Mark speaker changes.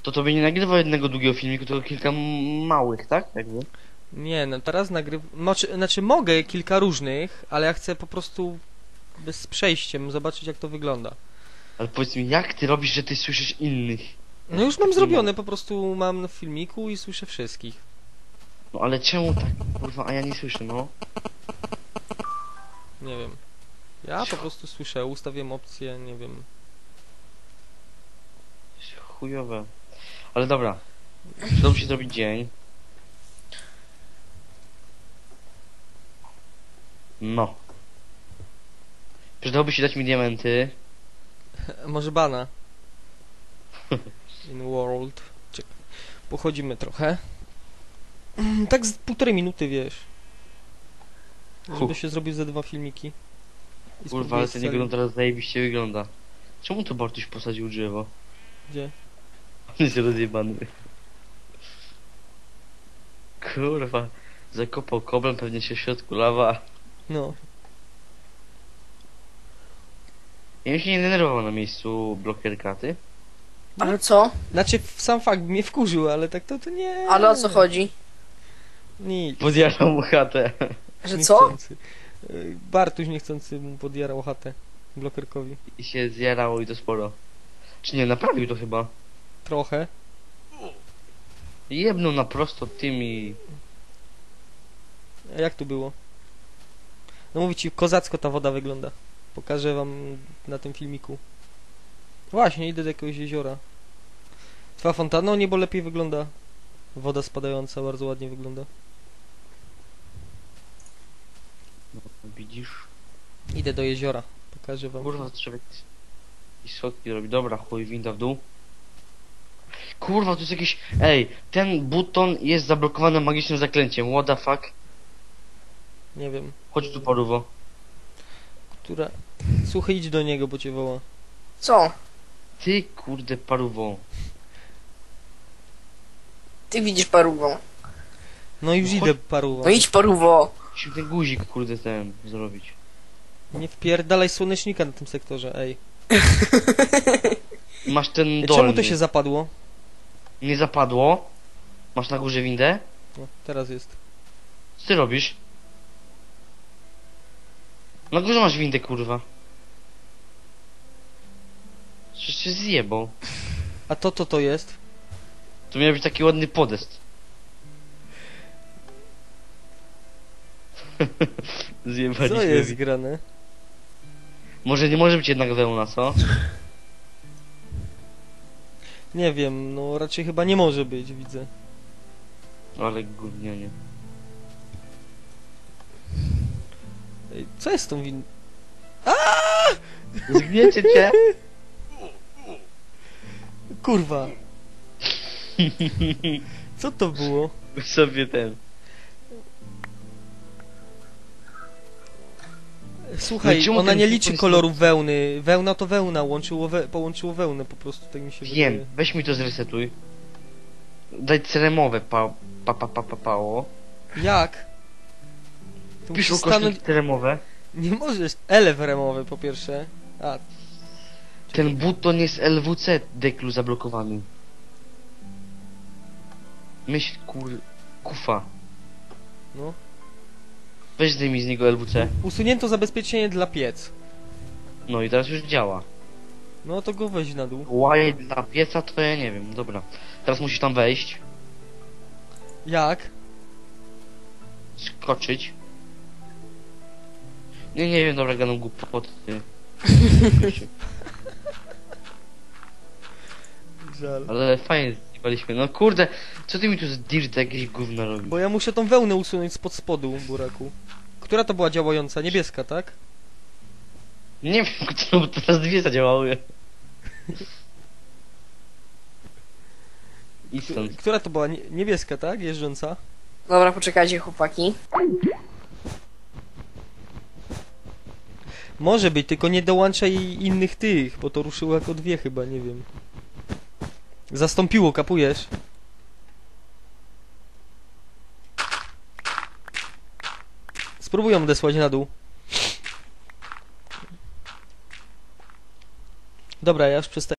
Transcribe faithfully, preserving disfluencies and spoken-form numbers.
Speaker 1: To tobie nie nagrywa jednego długiego filmiku, tylko kilka małych, tak? Jakby.
Speaker 2: Nie, no teraz nagrywam... Znaczy, znaczy mogę kilka różnych, ale ja chcę po prostu bez przejściem zobaczyć, jak to wygląda.
Speaker 1: Ale powiedz mi, jak ty robisz, że ty słyszysz innych?
Speaker 2: No już mam zrobione, po prostu mam w filmiku i słyszę wszystkich.
Speaker 1: No ale czemu tak, kurwa, a ja nie słyszę, no?
Speaker 2: Nie wiem. Ja po prostu słyszę, ustawiam opcję, nie wiem.
Speaker 1: Chujowe. Ale dobra. Przydałoby się zrobić dzień. No. Przydałoby się dać mi diamenty.
Speaker 2: Może bana. In world. Czekaj. Pochodzimy trochę. Tak z półtorej minuty, wiesz. Żeby
Speaker 1: Huh.
Speaker 2: się zrobił ze dwa filmiki. I
Speaker 1: Kurwa, ale
Speaker 2: spróbuję
Speaker 1: ten
Speaker 2: scalić.
Speaker 1: jego teraz zajebiście wygląda. Czemu tu Bartuś posadził drzewo?
Speaker 2: Gdzie?
Speaker 1: On jest rozjebany. Kurwa. Zakopał koblem, pewnie się w środku lawa.
Speaker 2: No.
Speaker 1: Ja bym się nie denerwował na miejscu blokerka, ty?
Speaker 3: Ale co?
Speaker 2: Znaczy, sam fakt mnie wkurzył, ale tak to, to nie...
Speaker 3: Ale o co chodzi?
Speaker 2: Nic.
Speaker 1: Podjarał mu chatę.
Speaker 3: Że co?
Speaker 2: Niechcący. Y, Bartuś niechcący mu podjarał chatę blokerkowi.
Speaker 1: I się zjarało i to sporo. Czy nie, naprawił to chyba.
Speaker 2: Trochę.
Speaker 1: Jebnął na prosto tymi...
Speaker 2: A jak tu było? No mówię ci, kozacko ta woda wygląda. Pokażę wam na tym filmiku. Właśnie, idę do jakiegoś jeziora. Twoja fontanna, o niebo lepiej wygląda. Woda spadająca bardzo ładnie wygląda.
Speaker 1: No, widzisz?
Speaker 2: Idę do jeziora. Pokażę wam.
Speaker 1: Kurwa, to trzeba jakieś jakieś schodki robić. Dobra, chuj, winda w dół. Kurwa, to jest jakiś... Ej, ten buton jest zablokowany magicznym zaklęciem. What the fuck?
Speaker 2: Nie wiem,
Speaker 1: Chodź tu, paruwo.
Speaker 2: która... Słuchaj, idź do niego, bo cię woła.
Speaker 3: Co?
Speaker 1: Ty, kurde, paruwo.
Speaker 3: Ty widzisz parówą.
Speaker 2: No już
Speaker 1: No
Speaker 2: idę,
Speaker 1: chodź-
Speaker 2: paru.
Speaker 3: No idź parówo.
Speaker 1: Musimy ten guzik, kurde, ten zrobić.
Speaker 2: Nie wpierdalaj słonecznika na tym sektorze, ej.
Speaker 1: Masz ten
Speaker 2: Ej,
Speaker 1: dolny.
Speaker 2: czemu to się zapadło?
Speaker 1: Nie zapadło? Masz na górze windę?
Speaker 2: No, teraz jest.
Speaker 1: Co ty robisz? Na górze masz windę, kurwa. Przecież się zjebał.
Speaker 2: A to, to, to jest?
Speaker 1: To miał być taki ładny podest. Zjebaliśmy.
Speaker 2: Co jest grane?
Speaker 1: Może nie może być jednak wełna, co?
Speaker 2: Nie wiem, no raczej chyba nie może być, widzę.
Speaker 1: Ale gównianie.
Speaker 2: Ej, co jest z tą win...
Speaker 1: Zgniecie cię?
Speaker 2: Kurwa! Co to było?
Speaker 1: Sobie ten.
Speaker 2: Słuchaj,
Speaker 1: No czemu
Speaker 2: ona
Speaker 1: ten
Speaker 2: nie
Speaker 1: buton
Speaker 2: liczy
Speaker 1: jest-
Speaker 2: kolorów wełny. Wełna to wełna, łączyło we... połączyło wełnę po prostu, tak mi się
Speaker 1: Wiem,
Speaker 2: wydaje.
Speaker 1: weź mi to zresetuj. Daj ceremowe pa pa pa pa pa pało.
Speaker 2: Jak? Tu
Speaker 1: Pisz
Speaker 2: musisz
Speaker 1: ukośnik
Speaker 2: stanąć...
Speaker 1: ceremowe.
Speaker 2: Nie możesz. Elew remowy po pierwsze. A,
Speaker 1: Ten buton jest L W C deklu zablokowany. Myśl kur... kufa.
Speaker 2: no.
Speaker 1: Weź zdejmij z niego L W C.
Speaker 2: Usunięto zabezpieczenie dla piec.
Speaker 1: No i teraz już działa.
Speaker 2: No to go weź na dół.
Speaker 1: Łaj dla pieca to ja nie wiem, dobra. Teraz musisz tam wejść,
Speaker 2: Jak?
Speaker 1: skoczyć. Nie, nie wiem, dobra, gadam głupoty.
Speaker 2: Żal.
Speaker 1: Ale fajnie zjebaliśmy. No kurde, co ty mi tu z dirt jakieś gówno robisz?
Speaker 2: Bo ja muszę tą wełnę usunąć spod spodu, buraku. Która to była działająca? Niebieska, tak?
Speaker 1: Nie wiem, kto, bo teraz dwie zadziałały. I stąd.
Speaker 2: Która to była? Nie- Niebieska, tak? Jeżdżąca?
Speaker 3: Dobra, poczekajcie chłopaki.
Speaker 2: Może być, tylko nie dołączaj innych tych, bo to ruszyło jako dwie chyba, nie wiem. Zastąpiło, kapujesz? Spróbuj ją odesłać na dół. Dobra, ja już przestaję.